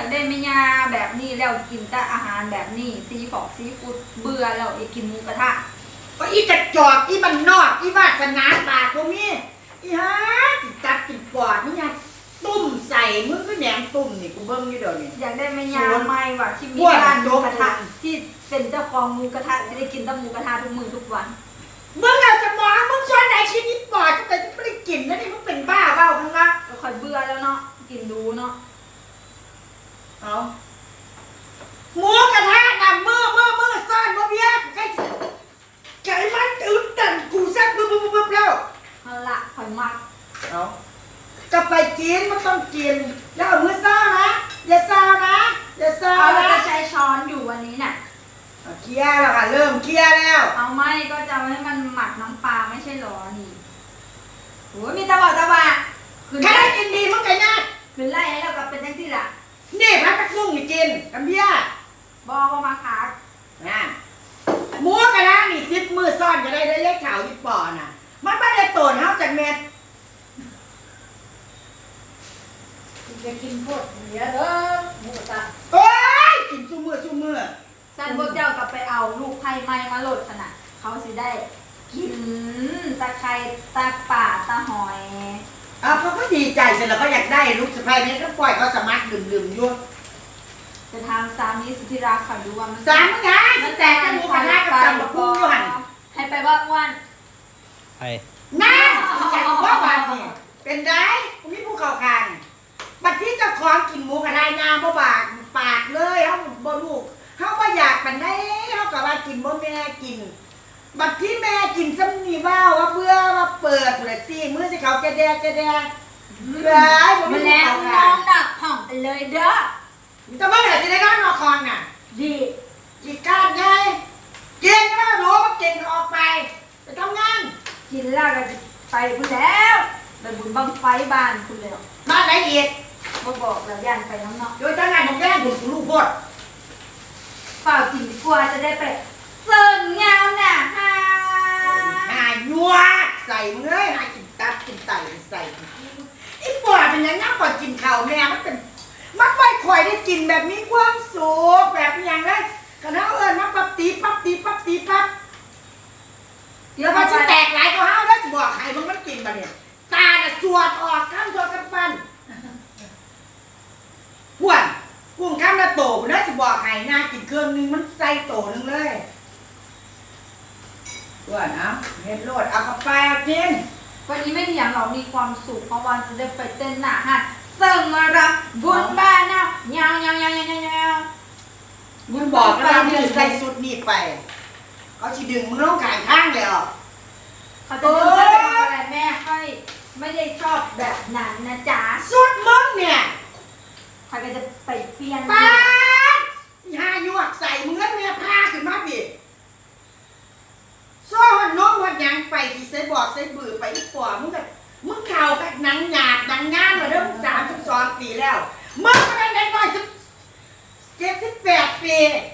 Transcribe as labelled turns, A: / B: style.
A: ากได้ไม่ยาแบบนี้แล้วกินแต่อาหารแบบนี้ซีฟู้ดเบื่อแล้วอยากกินหมูกระทะ
B: ก็อีกระจอกอีมันนอกอีวาสนาปากพวกนี้อีฮะกินตับกินปอดนี่ไงตุ่มใส่มึงก็แหนมตุ่มนี่กูเบิ้งอยู่เดี๋ยวนี้
A: อยากได้ไม่ยาไม่ว่ะที่มีร้านหมูกระทะที่เป็นเจ้าของหมูกระทะจะได้กินแต่หมูกระทะทุกมื้อทุกวัน
B: มึงเอาสมองมึงช้อนไหนชิ้นนี้ปอดแต่ไม่ได้กินนะนี่มึงเป็นบ้าเปล่าข้างล่าง
A: ก็ค่อยเบื่อแล้วเนาะกินดูเนาะ
B: เอาหมูกระทะน่ะมือซ่อนบ่เบี้ยใจมันตื่นเต้นกูแซ่บบึ้บแล้ว
A: เอาละค่อยมัก
B: เอาจะไปกินมันต้องกินแล้วเอามือซ่านะอย่าซ่านะอย่าซ่า
A: เรา
B: นะ
A: จะใช้ช้อนอยู่วันนี้น่ะ
B: เคลียร์แล้วค่ะเริ่มเคลียร์แล้ว
A: เอาไม่ก็จะให้มันหมักน้ำปลาไม่ใช่หรอนี่โอ้ยมีตะบะ
B: ใครได้กินดีมึงไก่นา
A: ขึ้นไล่ให้เรากลับเป็นจังที่ล่ะ
B: นี่พักกระซุ่งนี่กินกันเบี้ย
A: บอกมาคัก
B: นะหมูกระทะนี่10 มือซ่อนก็ได้เล็กขาวญี่ปุ่นน่ะมันไม่ได้โตนเฮาจากเม็ด
A: จะกินพวกเนี้ยเด้อหมูกระทะ
B: โอ้ยกินซุมือ
A: สันพวกเจ้ากลับไปเอาลูกไผ่ไม้มาโหลดขนาดเขาสิได้กินตะไคร้ตะป่าตะหอย
B: เขาก็ดีใจเสร็จแล้วก็อยากได้ลูกสะใภ้นี้ก็ปล่อยเขาสมัครดื่มอยู่
A: จะทำสามีสุธิรักขอดูว่ามัน
B: สามไงมันแต่จะมูกระทะกับตำบักหุ่งอยู่หัน
A: ให้ไปว่าอ้วน
C: ไป
B: นั่นอยากว่าวันนี่เป็นได้มีผู้เข้าคางบัดที่เจ้าของกินหมูกระทะงามบ่บากปากเลยเขาบ่ลูกเขาบ่อยากปันได้เขาก็ว่ากินบ่แม่กินบัดที่แม่กินซ้ำนี่ว่าเบื่อว่าเปิดเลยสิมื้อสิเขาจะแดกเลย
A: มาแล้วน้องดักห่องไปเลยเด้อ
B: แต่เมื่อไหร่จะได้นอนนอนคอนน่ะ
A: ดี
B: กินการไงเก่งก็ไม่รู้ว่าเก่งออกไปไปทำงาน
A: กินแล้วก็ไปคุณแล้วไปบุญบังไฟบ้านคุณแล้ว
B: บ้านไหนอีก
A: บอกแล้วย่านไปน้องเนาะ
B: โดยตั้งงานของแย่บุญลูกพด
A: เปล่ากินกลัวจะได้ไปเสิร์ฟเงาหน่ะฮะ
B: หายัวใส่มึงเลยหากินตับกินไตใส่ไอ้ปอดเป็นยังไงปอดกินข้าวแม่มันเป็นมันไม่ค่อยได้กินแบบมีความสุขแบบอย่างไรกระเท้ามันปั๊บตีปั๊บเดี๋ยวมันจะแตกหลายก็ห้าวได้บอกใครมันกินมาเนี่ยตาเนี่ยสวดออกข้ามตัวกันฟันพวนกุ้งข้ามละโตน่าจะบอกใครน่ากินเครื่องนึงมันใส่โตนึงเลยพวนเอาเฮ็ดโลดเอากาแฟกิน
A: วันนี้ไม่ได้อย่างเรามีความสุขเพราะวันจะได้ไปเต้นหน้าฮะเสิร์ฟมารับบุญบ้านนะยาว
B: มึงบอกว่ามึงใส่สุดนี่ไปเขาchỉดึงมึงลงขายข้างเลยอ่ะ
A: เขาจะดึงไปทำอะไรแม่ค่อยไม่ได้ชอบแบบนั้นนะจ๊ะ
B: สุดมึงเนี่ย
A: เขาก็จะไปเปลี่ยน
B: ป้าหาหยวกใส่มึงแล้วเนี่ยผ้าขึ้นมาบิดโซ่หันน้องหันยังไปที่ใส่บอกใส่บือไปอีกปอมึงแบบมึงเข่าแบบหนังหยาบหนังงานมาเริ่ม32 ปีแล้วมึงก็ได้น้อย18 ปี